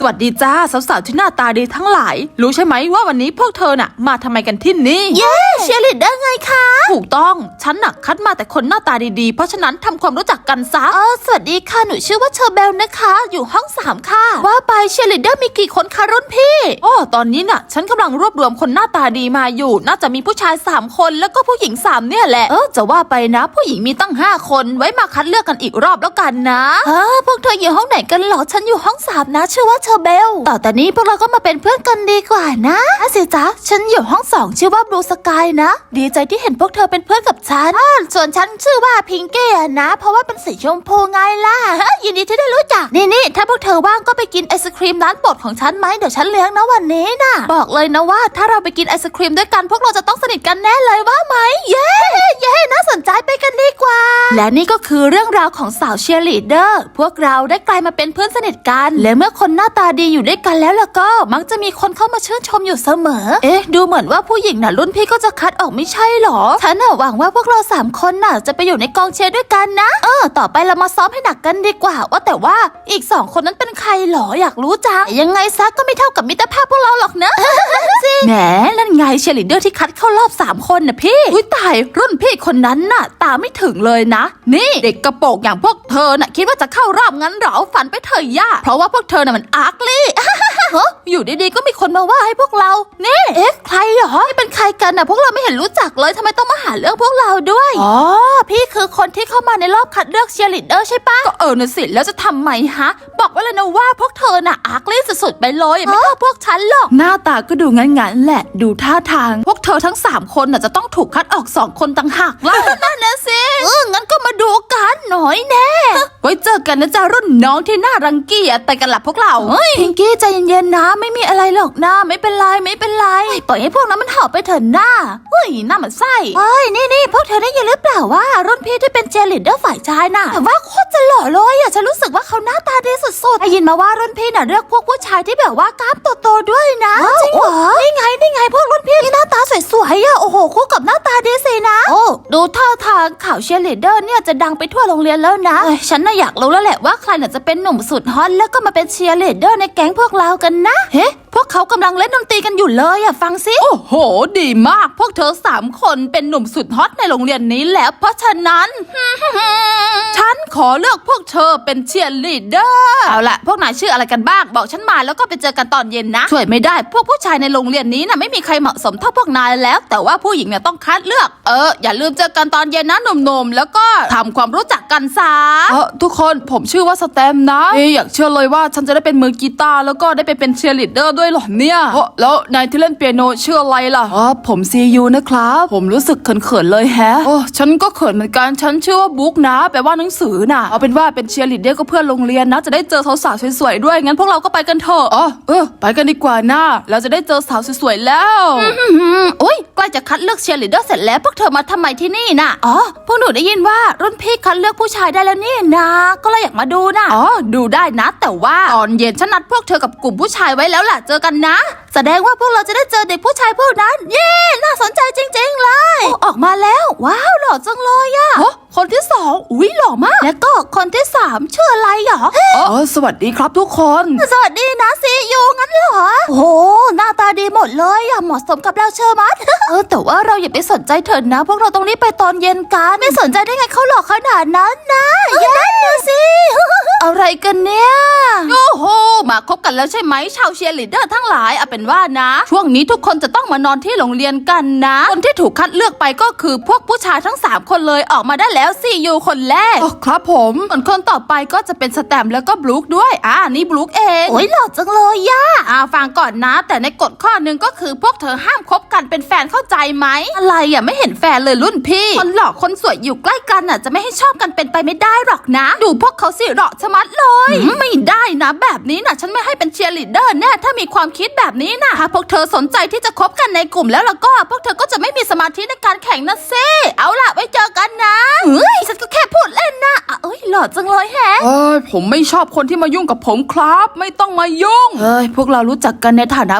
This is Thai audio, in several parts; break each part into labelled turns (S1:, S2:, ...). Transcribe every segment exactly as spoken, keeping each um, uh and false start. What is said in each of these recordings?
S1: สวัสดีจ้าสาวๆที่หน้าตาดีทั้งหลายรู้ใช่ไหมว่าวันนี้พวกเธอน่ะมาทำไมกันที่นี่
S2: เย้เชียร์ลีดเดอร์ไงคะ
S1: ถูกต้องฉันน่ะคัดมาแต่คนหน้าตาดีๆเพราะฉะนั้นทำความรู้จักกันซะ
S2: เออสวัสดีค่ะหนูชื่อว่าเชอร์เบลนะคะอยู่ห้องสามค่ะว่าไปเชียร์ลีดเดอร์มีกี่คนคะรุ่นพี่
S1: โอ้ตอนนี้น่ะฉันกำลังรวบรวมคนหน้าตาดีมาอยู่น่าจะมีผู้ชายสามคนแล้วก็ผู้หญิงสามเนี่ยแหละเออจะว่าไปนะผู้หญิงมีตั้งห้าคนไว้มาคัดเลือกกันอีกรอบแล้วกันนะ
S2: เออพวกเธออยู่ห้องไหนกันหรอฉันอยู่ห้องสามนะชื่อว่าเชอร์เบลต่อแต่นี้พวกเราก็มาเป็นเพื่อนกันดีกว่านะสิจ๊ะฉันอยู่ห้องสองชื่อว่าบลูสกายนะดีใจที่เห็นพวกเธอเป็นเพื่อนกับฉันส่วนฉันชื่อว่าพิงเก้นะเพราะว่าเป็นสีชมพูไงล่ะยินดีที่ได้รู้จักนี่นี่ถ้าพวกเธอว่างก็ไปกินไอศครีมร้านโปรดของฉันไหมเดี๋ยวฉันเลี้ยงนะวันนี้นะบอกเลยนะว่าถ้าเราไปกินไอศครีมด้วยกันพวกเราจะต้องสนิทกันแน่เลยว่าไหมเย้เย้น่าสนใจไปกันดีกว่าและนี่ก็คือเรื่องราวของสาวเชียร์ลีดเดอร์พวกเราได้กลายมาเป็นเพื่อนสนิทกันและเมื่อคนหน้าตาดีอยู่ด้วยกันแล้วล่ะก็มักจะมีคนเข้ามาชื่นชมอยู่เสมอเอ๊ะดูเหมือนว่าผู้หญิงน่ะรุ่นพี่ก็จะคัดออกไม่ใช่หรอฉันน่ะหวังว่าพวกเราสามคนน่ะจะไปอยู่ในกองเชียร์ด้วยกันนะเออต่อไปเรามาซ้อมให้หนักกันดีกว่าว่าแต่ว่าอีกสองคนนั้นเป็นใครหรออยากรู้จังยังไงซะก็ไม่เท่ากับมิตรภาพพวกเราหรอกนะ
S1: แหมนั่นไงเชียร์ลีดเดอร์ที่คัดเข้ารอบสามคนน่ะพี่อุ้ยตายรุ่นพี่คนนั้นน่ะตาไม่ถึงเลยนะนี่เด็กกระโปรงอย่างพวกเธอน่ะคิดว่าจะเข้ารอบงั้นหรอฝันไปเถอะย่าเพราะว่าพวกเธอน่ะมันอาร์กลี่ อยู่ดีๆก็มีคนมาว่าให้พวกเรานี่
S2: เอ๊ะใครหรอนี่เป็นใครกันน่ะพวกเราไม่เห็นรู้จักเลยทำไมต้องมาหาเรื่องพวกเราด้วยอ๋อพี่คือคนที่เข้ามาในรอบคัดเลือกเชียร์ลีดเดอร์ใช่ปะ
S1: ก็เออน่ะสิแล้วจะทำไมฮะบอกไว้เลยนะว่าพวกเธอน่ะอาร์กลี่สุดๆไปเลยไม่เท่าพวกฉันหรอกหน้าตาก็ดูงั้นๆแหละดูท่าทางพวกเธอทั้งสามคนน่ะจะต้องถูกคัดออกสองคนต่างหากล่ะ
S2: นั่นนะสิเอองั้นก็มาดูกันหน่อยแน่
S1: ไว้เจอกันนะจ๊ะรุ่นน้องที่น่ารังเกียจแต่กันหลับพวกเรา
S2: พิงกี้ใจเย็นๆนะไม่มีอะไรหรอกนะไม่เป็นไรไม่เป็นไรปล่อยให้พวกนั้นมันหอบไปเถอะหน้า
S1: เฮ้ยหน้ามันไส้
S2: เฮ้ยนี่นี่พวกเธอได้ยินหรือเปล่าว่ารุ่นพี่ที่เป็นเชียร์ลีดเดอร์ฝ่ายชายน่ะแต่ว่าโคตรจะหล่อเลยอ่ะฉันรู้สึกว่าเขาหน้าตาดีสุดๆได้ยินมาว่ารุ่นพี่น่ะเลือกพวกผู้ชายที่แบบว่ากล้ามโตๆด้วยนะจริงเหรอนี่ไงนี่ไงพวกรุ่นพี่ที่หน้าตาสวยๆอ่ะโอ้โหคู่กับหน้าตาดีสินะโอ้ดูท่าทางข่าวเชียร์ลีดเดอร์เนี่ยจะดังไปทั่วโรงเรียนแล้วนะฉันน่ะอยากรู้แล้วแหละว่าใครน่ะจะเป็นหนุ่มสุดฮอตแล้วก็มาเป็นเชียร์ลีดเดอร์ในแก๊งพวกเรากันนะเฮ้พวกเขากำลังเล่นดนตรีกันอยู่เลยอ่ะฟังสิ
S1: โอ้โหดีมากพวกเธอสามคนเป็นหนุ่มสุดฮอตในโรงเรียนนี้แล้วเพราะฉะนั้น ฉันขอเลือกพวกเธอเป็นเชียร์ลีดเดอร์เอาล่ะพวกนายชื่ออะไรกันบ้างบอกฉันมาแล้วก็ไปเจอกันตอนเย็นนะช่วยไม่ได้พวกผู้ชายในโรงเรียนนี้น่ะไม่มีใครเหมาะสมเท่าพวกนายแล้วแต่ว่าผู้หญิงเนี่ยต้องคัดเลือกเอออย่าลืมเจอกันตอนเย็นนะหนุ่มๆแล้วก็ทำความรู้จักกันซะเออทุกคนผมชื่อว่าสแตมนะเอ๊อยากเชื่อเลยว่าฉันจะได้เป็นมือกีตาร์แล้วก็ได้ไปเป็นเชียร์ลีดเดอร์ด้วยหรอเนี่ยแล้วนายที่เล่นเปียโนชื่ออะไรล่ะอ๋อผมซียูนะครับผมรู้สึกเขินๆเลยแฮะโอ้ฉันก็เขินเหมือนกันฉันชื่อว่าบุ๊กนะแปลว่าหนังสือน่ะเอาเป็นว่าเป็นเชียร์ลีดเดอร์ก็เพื่อนโรงเรียนนะจะได้เจอสาวๆสวยๆด้วยงั้นพวกเราก็ไปกันเถอะอ๋อเออไปกันดีกว่านะเราจะได้เจอสาวสวยๆแล้ว
S2: อุ้ยใกล้จะคัดเลือกเชียร์ลีดเดอร์เสร็จแล้วพวกเธอมาทำไมที่นี่น่ะอ๋อพวกหนูได้ยินว่ารุ่นพี่คัดเลือกผู้ชายได้แล้วนี่นะก็เลยอยากมาดูน่ะ
S1: อ๋อดูได้นะแต่ว่าตอนเย็นฉันนัดพวกเธอกับกลุ่มผู้ชายไว้แล้วล่ะเจอกันนะ
S2: แสดงว่าพวกเราจะได้เจอเด็กผู้ชายพวกนั้นเย้น่าสนใจจริงๆเลยออกมาแล้วว้าวหล่อจังเลยอะ
S1: คนที่สองอุ้ยหล่อมาก
S2: แล้วก็คนที่สามชื่ออะไรหรอ
S1: อ๋อสวัสดีครับทุกคน
S2: สวัสดีนะซียูงั้นเหรอโอ้โหหน้าตาดีหมดเลยอะเหมาะสมกับเราเชอร์มัดเออแต่ว่าเราอย่าไปสนใจเถิดนะพวกเราต้องรีบไปตอนเย็นกันไม่สนใจได้ไงเขาหล่อขนาดนั้นนะนั่นนะสิอะไรกันเนี่ย
S1: โอ้โหมาคบกันแล้วใช่ไหมชาวเชียร์ลีดเดอร์ทั้งหลายเอาเป็นว่านะช่วงนี้ทุกคนจะต้องมานอนที่โรงเรียนกันนะคนที่ถูกคัดเลือกไปก็คือพวกผู้ชายทั้งสามคนเลยออกมาได้แล้วซียูคนแรกอ๋อครับผมส่วนคนต่อไปก็จะเป็นสแตมแล้วก็บลูคด้วยอ่านี่บลูคเอง
S2: โอ้ยหล่อจังเลยย่า
S1: อ่าฟังก่อนนะแต่ในกฎข้อหนึ่งก็คือพวกเธอห้ามคบกันเป็นแฟนเข้าใจไหมอะไรอ่ะไม่เห็นแฟนเลยรุ่นพี่คนหล่อคนสวยอยู่ใกล้กันอ่ะจะไม่ให้ชอบกันเป็นไปไม่ได้หรอกนะดูพวกเขาสิหล่อชะมัดเลยไม่ได้นะแบบนี้นะฉันไม่ให้เป็นเชียร์ลีดเดอร์แน่ถ้ามีความคิดแบบนี้นะถ้าพวกเธอสนใจที่จะคบกันในกลุ่มแล้วแล้วก็พวกเธอก็จะไม่มีสมาธิในการแข่งนะเซ่เอาล่ะไว้เจอกันนะ
S2: เฮ้ยฉันก็แค่พูดเล่นนะเอ้ยหล่อจังเลยแฮะ
S1: เอ้ยผมไม่ชอบคนที่มายุ่งกับผมครับไม่ต้องมายุ่งเฮ้ยพวกเรารู้จักกันในฐานะเพื่อนๆกัน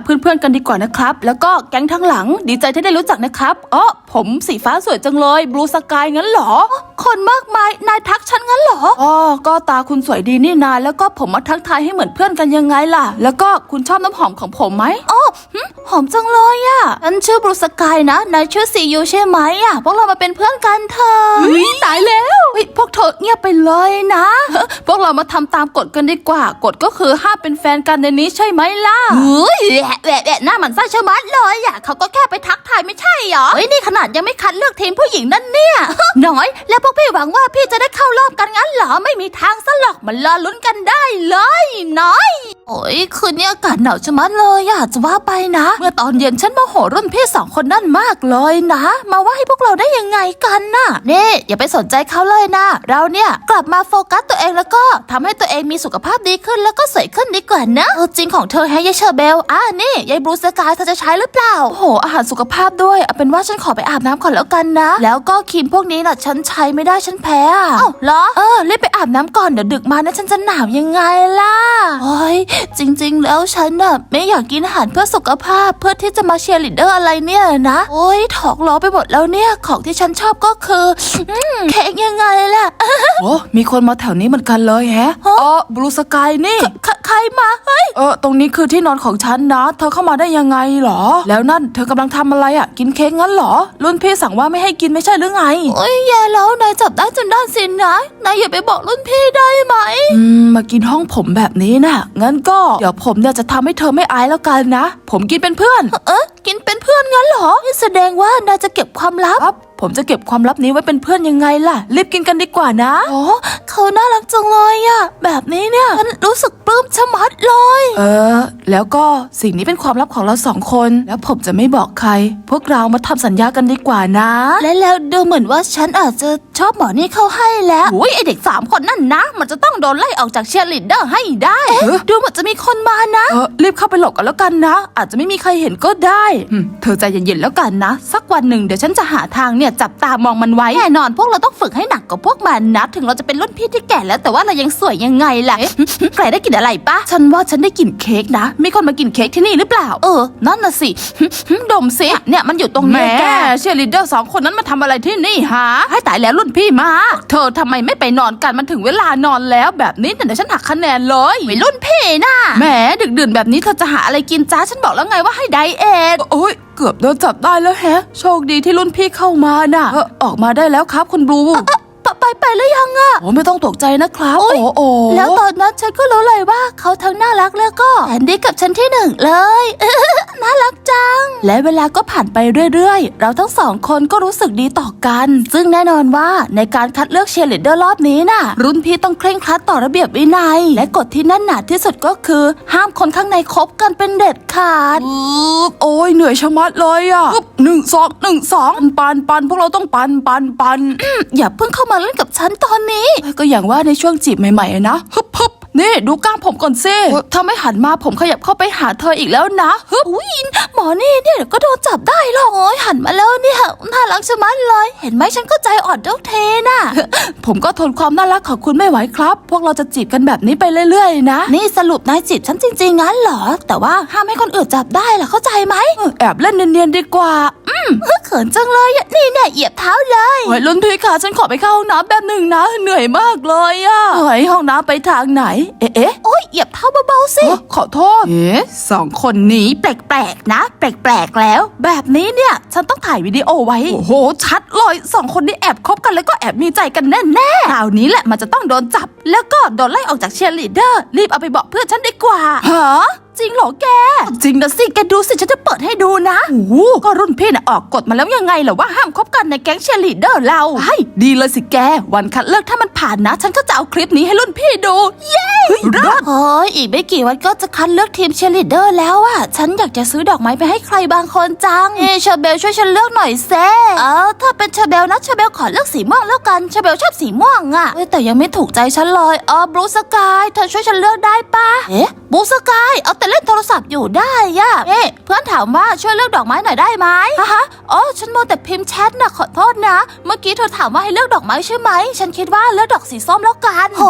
S1: กันดีกว่านะครับแล้วก็แก๊งทั้งหลังดีใจที่ได้รู้จักนะครับอ๋อผมสีฟ้าสวยจังเลยบลูสกายงั้นเหรอ
S2: คนมากมายนายทักฉันงั้นเหรอ
S1: อ๋อก็ตาคุณสวยดีนี่นาแล้วก็ผมมาทักทายให้เหมือนเพื่อนกันยังไงล่ะแล้วก็คุณชอบน้ำหอมของผมไหม
S2: อ๋อหอมจังเลยอะฉันชื่อบลูสกายนะนายชื่อซียูใช่ไหมอะพวกเรามาเป็นเพื่อนกันเถอะ
S1: วิตายแล้วพวกเธอเงียบไปเลยนะพวกเรามาทำตามกฎกันดีกว่ากฎก็คือห้ามเป็นแฟนกันในนี้ใช่ไหมล่ะ
S2: เฮ้ยแหวะแหวะหน้ามันไส้ชะมัดเลยอะเขาก็แค่ไปทักทายไม่ใช่หรอเฮ้ยนี่ขนาดยังไม่คัดเลือกทีมผู้หญิงนั่นเนี่ยน้อยแล้วพวกพี่หวังว่าพี่จะได้เข้ารอบกันงั้นเหรอไม่มีทางซะหรอกมันรอลุ้นกันได้เลยน้อยโอ้ยคืนนี้อากาศหนาวชะมัดเลยอะจะว่าไปนะเมื่อตอนเย็นฉันโมโหรุ่นพี่สองคนนั่นมากเลยนะมาว่าให้พวกเราได้ยังไงกันน่ะนี่อย่าไปสนใจเขาเลยนะเราเนี่ยกลับมาโฟกัสตัวเองแล้วก็ทำให้ตัวเองมีสุขภาพดีขึ้นแล้วก็สวยขึ้นดีกว่านะจริงของเธอให้ยายเชอร์เบลอ่ะนี่ยายบลูสกายเธอจะใช้หรือเปล่า
S1: โอ้โหอาหารสุขภาพด้วยเอาเป็นว่าฉันขอไปอาบน้ำก่อนแล้วกันนะ
S2: แล้วก็ครีมพวกนี้น่ะฉันใช้ไม่ได้ฉันแพ้อ่ะ
S1: อ้าวเหรอ
S2: เออรีบไปอาบน้ำก่อนเดี๋ยวดึกมานะฉันจะหนาวยังไงล่ะโอ้ยจริงๆแล้วฉันน่ะไม่อยากกินอาหารเพื่อสุขภาพเพื่อที่จะมาเชียร์ลีดเดอร์อะไรเนี่ยนะโอ้ยถอกล้อไปหมดแล้วเนี่ยของที่ฉันชอบก็คือเค้กยังไงล่ะ
S1: โอ้มีคนมาแถวนี้เหมือนกันเลยแฮะอ๋อบลูสกายนี่
S2: ใครมาเฮ้ย
S1: เออตรงนี้คือที่นอนของฉันนะเธอเข้ามาได้ยังไงหรอแล้วนั่นเธอกำลังทำอะไรอ่ะกินเค้กงั้นหรอรุ่นพี่สั่งว่าไม่ให้กินไม่ใช่หรือไง
S2: โอ้ยแย่แล้วนายจับได้จนได้สินนะนายอย่าไปบอกรุ่นพี่ได้ไหม
S1: อืมมากินห้องผมแบบนี้นะงั้นก็เดี๋ยวผมเนี่ยจะทำให้เธอไม่อายแล้วกันนะผมกินเป็นเพื่อน
S2: เอ๊ะกินเป็นเพื่อนงั้นเหรอนี่แสดงว่านายจะเก็บความลับ
S1: ผมจะเก็บความลับนี้ไว้เป็นเพื่อนยังไงล่ะรีบกินกันดีกว่านะ
S2: โอ้เขาน่ารักจังเลยอะแบบนี้เนี่ยฉันรู้สึกปลื้มชะมัดเลย
S1: เออแล้วก็สิ่งนี้เป็นความลับของเราสองคนแล้วผมจะไม่บอกใครพวกเรามาทำสัญญากันดีกว่านะ
S2: และแล้วดูเหมือนว่าฉันอาจจะชอบหมอนี่เข้าให้แล้ว
S1: โอ้ยไอเด็กสามคนนั่นนะมันจะต้องโดนไล่ออกจากเชียร์ลีดเดอร์ให้ได้
S2: ดูเหมือนจะมีคนมานะ
S1: เออรีบเข้าไปหลบกันแล้วกันนะอาจจะไม่มีใครเห็นก็ได้เธอใจเย็นๆแล้วกันนะสักวันหนึ่งเดี๋ยวฉันจะหาทางเนี่ยจับตามองมันไว้
S2: แน่นอนพวกเราต้องฝึกให้หนักกว่าพวกมันนะถึงเราจะเป็นรุ่นพี่ที่แก่แล้วแต่ว่าเรายังสวยยังไงล่ะใครได้กินอะไรปะ
S1: ฉันว่าฉันได้กลิ่นเค้กนะมีคนมากินเค้กที่นี่หรือเปล่า
S2: เออนั่นน่ะสิ
S1: ดมสิเนี่ยมันอยู่ตรงนี้แกเชียร์ลีดเดอร์สองคนนั้นมาทำอะไรที่นี่ฮะให้ตายแล้วรุ่นพี่มาเธอทำไมไม่ไปนอนกันมันถึงเวลานอนแล้วแบบนี้เดี๋ยวฉันหักคะแนนเลย
S2: ไม่รุ่นพี่น่ะ
S1: แหมดึกดื่นแบบนี้เธอจะหาอะไรกินจ้าฉันบอกแล้วไงว่าให้ไดเอทโอ้ยเกือบโดนจับได้แล้วแฮะโชคดีที่รุ่นพี่เข้ามาน่ะเออออกมาได้แล้วครับคุณบลู
S2: ไปไปหรือยังอะ
S1: โอ้ไม่ต้องตกใจนะครับโอ้โอ้
S2: แล้วตอนนั้นฉันก็รู้เลยว่าเขาทั้งน่ารักแล้วก็แอนดี้กับฉันที่หนึ่งเลยน่ารักจัง
S1: และเวลาก็ผ่านไปเรื่อยๆเราทั้งสองคนก็รู้สึกดีต่อกัน
S2: ซึ่งแน่นอนว่าในการคัดเลือกเชียร์ลีดเดอร์รอบนี้น่ะ
S1: รุ่นพี่ต้องเคร่งครัดต่อระเบียบวินัย
S2: และกฎที่แน่นหนาที่สุดก็คือห้ามคนข้างในคบกันเป็นเด็ดขาด
S1: โอ้ยเหนื่อยชะมัดเลยอะหนึ่งสองหนึ่งสองปันปันพวกเราต้องปันปันปัน
S2: อย่าเพิ่งเข้ามาเล่นกับฉันตอนนี้
S1: ก็อย่างว่าในช่วงจีบใหม่ๆนะฮึบฮึบนี่ดูกล้ามผมก่อนซิถ้าไม่หันมาผมขยับเข้าไปหาเธออีกแล้วนะ
S2: ฮึบอุ้ยหมอนี่เนี่ยก็โดนจับได้หรอกโอ้ยหันมาแล้วเนี่ยน่ารักชะมัดเลยเห็นไหมฉันก็ใจอ่อนทุกเทน่ะ
S1: ผมก็ทนความน่ารักของคุณไม่ไหวครับพวกเราจะจีบกันแบบนี้ไปเรื่อยๆนะ
S2: นี่สรุปนายจีบฉันจริงๆงั้นเหรอแต่ว่าห้ามให้คนอื่นจับได้ล่ะเข้าใจไหม
S1: แอบเล่นเนียนๆดีกว่า
S2: อืมเขินจังเลยนี่เนี่ยเหยียบเท้าเลย
S1: เฮ้ยรุ่นพี่ค่ะฉันขอไปเข้าห้องน้ำแป๊บหนึ่งนะเหนื่อยมากเลยอะเฮ้ยห้องน้ำไปทางไหนเอ๊ะ
S2: โอ้ยเหยียบเท้าเบาๆสิ
S1: ขอโทษเอ๊ะสองคนนี้แปลกๆนะแปลกๆแล้วแบบนี้เนี่ยฉันต้องถ่ายวิดีโอไว้โอ้โหชัดเลยสองคนนี้แอบคบกันแล้วก็แอบมีใจกันแน่ๆคราวนี้แหละมันจะต้องโดนจับแล้วก็โดนไล่ออกจากเชียร์ลีดเดอร์รีบเอาไปบอกเพื่อนฉันดีกว่า
S2: ฮะจริงเหรอแก
S1: จริงนะสิแกดูสิฉันจะเปิดให้ดูนะโอ้โหก็รุ่นพี่น่ะออกกฎมาแล้วยังไงเหรอว่าห้ามคบกันในแก๊งเชียร์ลีดเดอร์เราใช่ดีเลยสิแกวันคัดเลือกถ้ามันผ่านนะฉันก็จะเอาคลิปนี้ให้รุ่นพี่ดูเย้
S2: รอดโอ้ยอีกไม่กี่วันก็จะคัดเลือกทีมเชียร์ลีดเดอร์แล้วอ่ะฉันอยากจะซื้อดอกไม้ไปให้ใครบางคนจังเอเชอร์เบลช่วยฉันเลือกหน่อยเซ่เออถ้าเป็นเชอร์เบลนะเชอร์เบลขอเลือกสีม่วงแล้วกันเชอร์เบลชอบสีม่วงอ่ะแต่ยังไม่ถูกใจฉันเลยอ๋อบลูสกายเธอช่วยฉันเลือกได้ปะเอ๊ะบลูสกายเอาแต่เล่นโทรศัพท์อยู่ได้ย่ะเอ๊ะเพื่อนถามว่าช่วยเลือกดอกไม้หน่อยได้ไหมฮะฮะอ๋อฉันโมแต่พิมพ์แชทนะขอโทษนะเมื่อกี้เธอถามว่าให้เลือกดอกไม้ใช่ไหมฉันคิดว่าเลือกดอกสีส้มแล้วกันโหต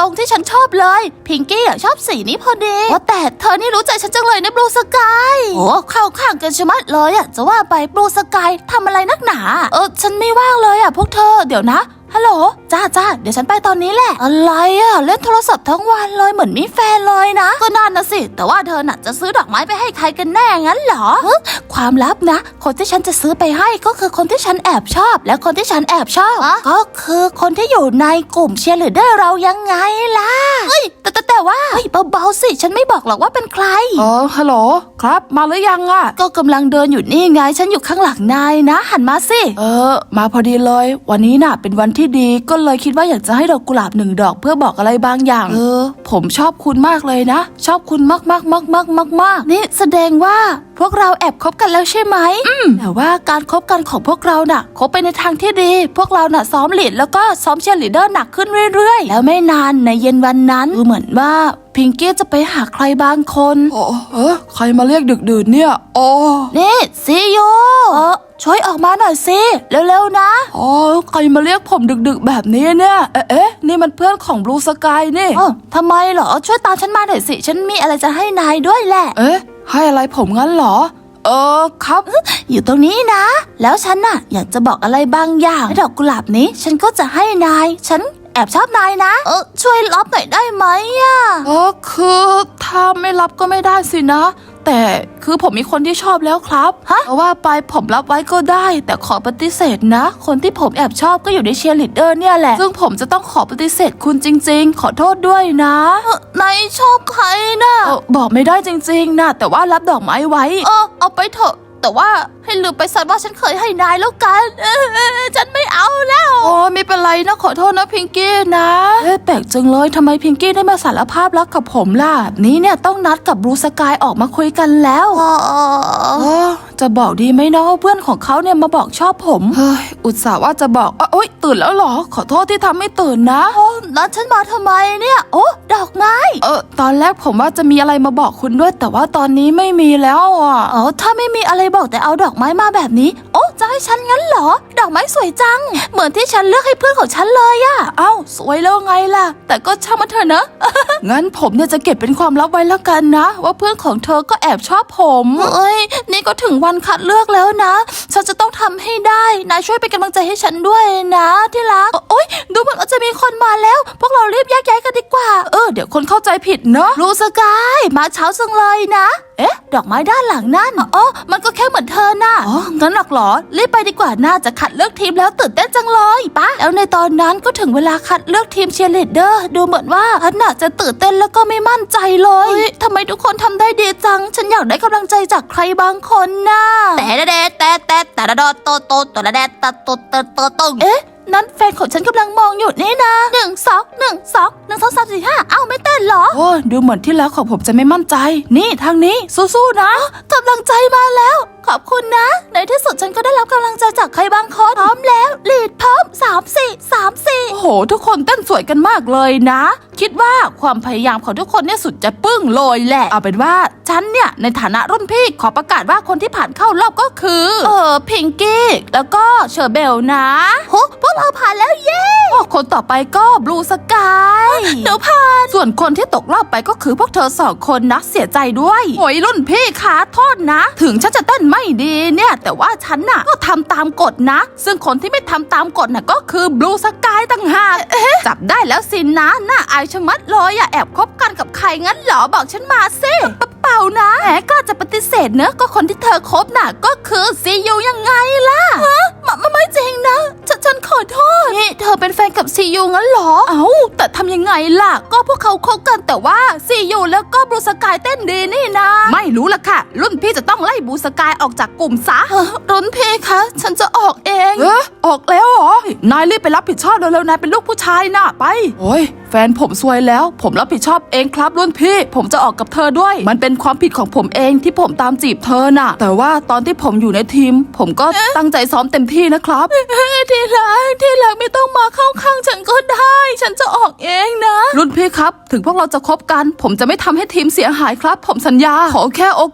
S2: ตรงที่ฉันชอบเลยพิงกี้อะชอบสีนี้พอดีว่าแต่เธอนี่รู้ใจฉันจังเลยนะบลูสกายโอ้เข้าข้างกันชะมัดเลยอะจะว่าไปบลูสกายทำอะไรนักหนาเออฉันไม่ว่างเลยอะพวกเธอเดี๋ยวนะฮัลโหลจ้าจ้าเดี๋ยวฉันไปตอนนี้แหละอะไรอะเล่นโทรศัพท์ทั้งวันเลยเหมือนมีแฟนเลยนะก็นั่นนะสิแต่ว่าเธอน่ะจะซื้อดอกไม้ไปให้ใครกันแน่งั้นเหรอความลับนะคนที่ฉันจะซื้อไปให้ก็คือคนที่ฉันแอบชอบและคนที่ฉันแอบชอบก็คือคนที่อยู่ในกลุ่มเชียร์ลีดเดอร์เรายังไงล่ะเฮ้ยแต่แต่แต่ว่าเฮ้ยเบาๆสิฉันไม่บอกหรอกว่าเป็นใคร
S1: เออฮัลโหลครับมาหรือยังอะ
S2: ก็กำลังเดินอยู่นี่ไงฉันอยู่ข้างหลังนายนะหันมาสิ
S1: เออมาพอดีเลยวันนี้น่ะเป็นวันที่ดีก็เลยคิดว่าอยากจะให้ดอกกุหลาบหนึ่งดอกเพื่อบอกอะไรบางอย่างเออผมชอบคุณมากเลยนะชอบคุณมากมากมากมากมากมาก
S2: นี่แสดงว่าพวกเราแอบคบกันแล้วใช่ไหมอืมแต่ว่าการคบกันของพวกเราน่ะคบไปในทางที่ดีพวกเราน่ะซ้อมลีดแล้วก็ซ้อมเชียร์ลีดเดอร์หนักขึ้นเรื่อยๆแล้วไม่นานในเย็นวันนั้นดูเหมือนว่าพิงกี้จะไปหาใครบางคน
S1: โอ้เออใครมาเรียกดึกดื่นเนี่ยโอ้
S2: นี่ซีโยเออช่วยออกมาหน่อยสิเร็วๆนะ
S1: อ๋อใครมาเรียกผมดึกๆแบบนี้เนี่ยเอ๊ะเอ๊ะนี่มันเพื่อนของบลูสกายนี่
S2: อ๋อทำไมเหรอช่วยตามฉันมาหน่อยสิฉันมีอะไรจะให้นายด้วยแหละ
S1: เอ๊ะให้อะไรผมงั้นเหรอเออครับ
S2: อยู่ตรงนี้นะแล้วฉันน่ะอยากจะบอกอะไรบางอย่างดอกกุหลาบนี้ฉันก็จะให้นายฉันแอบชอบนายนะเออช่วยรับหน่อยได้ไหมอ่ะ
S1: เออคือถ้าไม่รับก็ไม่ได้สินะแต่คือผมมีคนที่ชอบแล้วครับฮะว่าไปผมรับไว้ก็ได้แต่ขอปฏิเสธนะคนที่ผมแอบชอบก็อยู่ในเชียร์ลีดเดอร์เนี่ยแหละซึ่งผมจะต้องขอปฏิเสธคุณจริงๆขอโทษด้วยนะ
S2: นายชอบใครนะ
S1: เออบอกไม่ได้จริงๆนะแต่ว่ารับดอกไม้ไว้
S2: เออเอาไปเถอะแต่ว่าให้ลืมไปซะว่าฉันเคยให้นายแล้วกันเออฉันไม่เอาแล้ว
S1: โอ้ไม่เป็นไรนะขอโทษนะพิงกี้นะเอ๊ะแปลกจังเลยทำไมพิงกี้ได้มาสารภาพรักกับผมล่ะนี้เนี่ยต้องนัดกับบลูสกายออกมาคุยกันแล้วอ๋อจะบอกดีไหมเนาะเพื่อนของเขาเนี่ยมาบอกชอบผมเฮ้ยอุตส่าห์ว่าจะบอกโอ๊ยตื่นแล้วเหรอขอโทษที่ทำให้ตื่นนะ
S2: โอ้นัดฉันมาทำไมเนี่ยโอ้ดอกไม้
S1: เออตอนแรกผมว่าจะมีอะไรมาบอกคุณด้วยแต่ว่าตอนนี้ไม่มีแล้วอ่ะ
S2: อ๋อถ้าไม่มีอะไรบอกแต่เอาดอกไม้มาแบบนี้โอ้จะให้ฉันงั้นเหรอดอกไม้สวยจังเหมือนที่ฉันเลือกให้เพื่อนของฉันเลยอะ
S1: เอ้าสวยแล้วไงล่ะแต่ก็ช่างมันเถอะนะ งั้นผมเนี่ยจะเก็บเป็นความลับไว้แล้วกันนะว่าเพื่อนของเธอก็แอบชอบผม
S2: เอ้ยนี่ก็ถึงวันคัดเลือกแล้วนะฉันจะต้องทำให้ได้นายช่วยเป็นกำลังใจให้ฉันด้วยนะที่รักโอ๊ยดูเหมือนว่าจะมีคนมาแล้วพวกเรารีบแยกย้ายกันดีกว่า
S1: เออเดี๋ยวคนเข้าใจผิดเนาะ
S2: บลูสกายมาเช้าจังเลยนะเอ๊ะดอกไม้ด้านหลังนั่นอ๋อมันก็แค่เหมือนเธอน่ะ
S1: อ๋องั้นหรอกเหรอ
S2: รีบไปดีกว่าน่าจะคัดเลือกทีมแล้วตื่นเต้นจังเลยปะแล้วในตอนนั้นก็ถึงเวลาคัดเลือกทีมเชียร์ลีดเดอร์ดูเหมือนว่าฉันน่ะจะตื่นเต้นแล้วก็ไม่มั่นใจเลยทำไมทุกคนทำได้ดีจังฉันอยากได้กำลังใจจากใครบางคนน่ะแต่แต่แต่แต่แต่แต่โตโตโตแต่แต่แต่โตโตโตโตเอ๊ะนั่นแฟนของฉันกำลังมองอยู่นี่นะหนึ่งสองหนึ่งสองหนึ่งสองสามสี่ห้าเอ้าไม่เต้นเหรอ
S1: โอ้ดูเหมือนที่แล้วของผมจะไม่มั่นใจนี่ทางนี้สู้ๆนะ
S2: กำลังใจมาแล้วขอบคุณนะในที่สุดฉันก็ได้รับกำลังใจจากใครบางคนพร้อมแล้วลีดพร้อมสามสี่สามสี่
S1: โอ้โหทุกคนเต้นสวยกันมากเลยนะคิดว่าความพยายามของทุกคนเนี่ยสุดจะปึ้งเลยแหละเอาเป็นว่าฉันเนี่ยในฐานะรุ่นพี่ขอประกาศว่าคนที่ผ่านเข้ารอบก็คือ
S2: เออพิงกี้
S1: แล้วก็เชอร์เบลนะ
S2: โหพวกเราผ่านแล้วเย้
S1: คนต่อไปก็บลูสกาย
S2: เดี๋ยวผ่าน
S1: ส่วนคนที่ตกรอบไปก็คือพวกเธอสองคนนะเสียใจด้วยโอยรุ่นพี่ขาโทษนะถึงฉันจะเต้นไม่ดีเนี่ยแต่ว่าฉันน่ะก็ทำตามกฎนะซึ่งคนที่ไม่ทำตามกฎน่ะก็คือบลูสกายต่างหากจับได้แล้วสินะน่าอายชะมัดเลยอะแอบคบกันกับใครงั้นเหรอบอกฉันมาสิเปล่านะแหมก็จะปฏิเสธเนอะก็คนที่เธอคบน่ะก็คือซียูยังไงล่ะ
S2: ฮะมันไม่จริงนะฉันฉันขอโทษ
S1: นี่เธอเป็นแฟนกับซียูงั้นเหรอเอ้าแต่ทำยังไงล่ะก็พวกเขาคบกันแต่ว่าซียูแล้วก็บลูสกายเต้นดีนี่นะไม่รู้ล่ะค่ะรุ่นพี่จะต้องไล่บลูสกายออกจากกลุ่มซะ
S2: รุ่นพี่คะฉันจะออกเอง
S1: เออออกแล้วเหรอนายรีบไปรับผิดชอบเร็วๆนายเป็นลูกผู้ชายน่ะไปโอ้ยแฟนผมซวยแล้วผมรับผิดชอบเองครับรุ่นพี่ผมจะออกกับเธอด้วยมันเป็นความผิดของผมเองที่ผมตามจีบเธอน่ะแต่ว่าตอนที่ผมอยู่ในทีมผมก็ตั้งใจซ้อมเต็มที่นะครับ
S2: ที่รักที่รักไม่ต้องมาเข้าข้างฉันก็ได้ฉันจะออกเองนะ
S1: รุ่นพี่ครับถึงพวกเราจะคบกันผมจะไม่ทำให้ทีมเสียหายครับผมสัญญาขอแค่โอก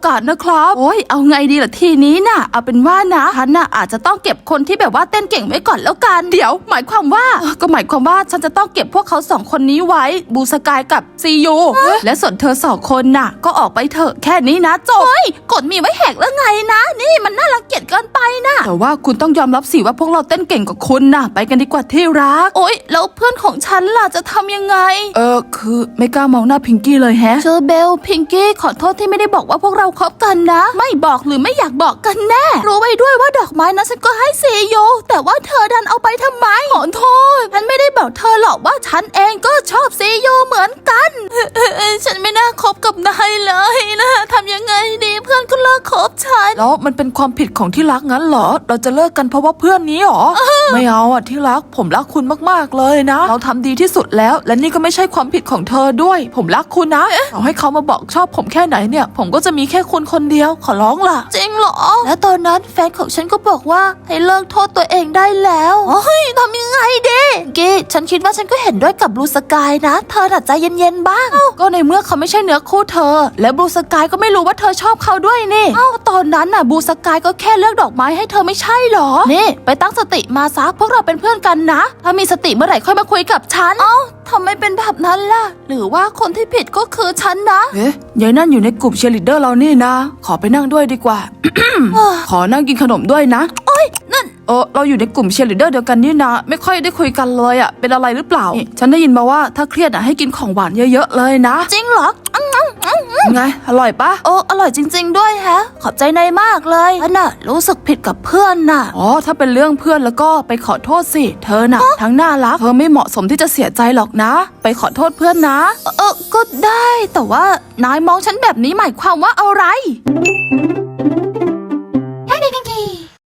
S1: กาสนะครับโอ้ยเอาไงดีล่ะทีนี้น่ะเอาเป็นว่านะฉันน่ะอาจจะต้องเก็บคนที่แบบว่าเต้นเก่งไว้ก่อนแล้วกันเดี๋ยวหมายความว่าเออก็หมายความว่าฉันจะต้องเก็บพวกเขาสองคนนี้ไว้บูสกายกับซียูและส่วนเธอสองคนน่ะก็ออกไปเถอะแค่นี้นะจบเฮ้ยกฎมีไว้แหกแล้วไงนะนี่มันน่ารังเกียจเกินไปนะแต่ว่าคุณต้องยอมรับสิว่าพวกเราเต้นเก่งกว่าคุณน่ะไปกันดีกว่าที่รักโอ๊ยแล้วเพื่อนของฉันล่ะจะทำยังไงเออคือไม่กล้ามองหน้าพิงกี้เลยแฮะเชอร์เบลพิงกี้ขอโทษที่ไม่ได้บอกว่าพวกเราคบกันนะไม่บอกหรือไม่อยากบอกกันแน่รู้ไว้ด้วยว่าดอกไม้นะฉันก็ให้ซีโยแต่ว่าเธอดันเอาไปทำไมขอโทษฉันไม่ได้บอกเธอหรอกว่าฉันเองก็ชอบซีโยเหมือนกันฉันไม่น่าคบกับนายเลยนะทำยังไงดีเพื่อนก็เลิกคบฉันแล้วมันเป็นความผิดของที่รักงั้นเหรอเราจะเลิกกันเพราะว่าเพื่อนนี้หรอ ไม่เอาอ่ะที่รักผมรักคุณมากๆเลยนะเราทำดีที่สุดแล้วและนี่ก็ไม่ใช่ความผิดของเธอด้วยผมรักคุณนะต่อให้เขามาบอกชอบผมแค่ไหนเนี่ยผมก็จะมีแค่คุณคนเดียวขอร้องล่ะจริงเหรอและตอนนั้นแฟนของฉันก็บอกว่าให้เลิกโทษตัวเองได้แล้วเฮ้ยทำยังไงดีกี้ฉันคิดว่าฉันก็เห็นด้วยกับบลูสกายนะเธอน่ะใจเย็นๆบ้างก็ในเมื่อเขาไม่ใช่เนื้อคู่เธอและบลูสกายก็ไม่รู้ว่าเธอชอบเขาด้วยนี่เอ้าตอนนั้นน่ะบลูสกายก็แค่เลือกดอกไม้ให้เธอไม่ใช่หรอนี่ไปตั้งสติมาซะพวกเราเป็นเพื่อนกันนะถ้ามีสติเมื่อไหร่ค่อยมาคุยกับฉันเอ้าทำไมเป็นแบบนั้นล่ะหรือว่าคนที่ผิดก็คือฉันนะเอ๊ะยายนั่นอยู่ในกลุ่มเชียร์ลีดเดอร์เรานี่นะขอไปนั่งด้วยดีกว่า ขอนั่งกินขนมด้วยนะโอ๊ยนั่นเออเราอยู่ในกลุ่มเชียร์ลีดเดอร์เดียวกันนี่นะไม่ค่อยได้คุยกันเลยอะเป็นอะไรหรือเปล่าฉันได้ยินมาว่าถ้าเครียดอะให้กินของหวานเยอะๆเลยนะจริงเหรอไงอร่อยปะโอ้อร่อยจริงๆด้วยฮะขอบใจนายมากเลยฉันน่ะรู้สึกผิดกับเพื่อนน่ะอ๋อถ้าเป็นเรื่องเพื่อนแล้วก็ไปขอโทษสิเธอน่ะทั้งน่ารักเธอไม่เหมาะสมที่จะเสียใจหรอกนะไปขอโทษเพื่อนนะเออก็ได้แต่ว่านายมองฉันแบบนี้หมายความว่าอะไร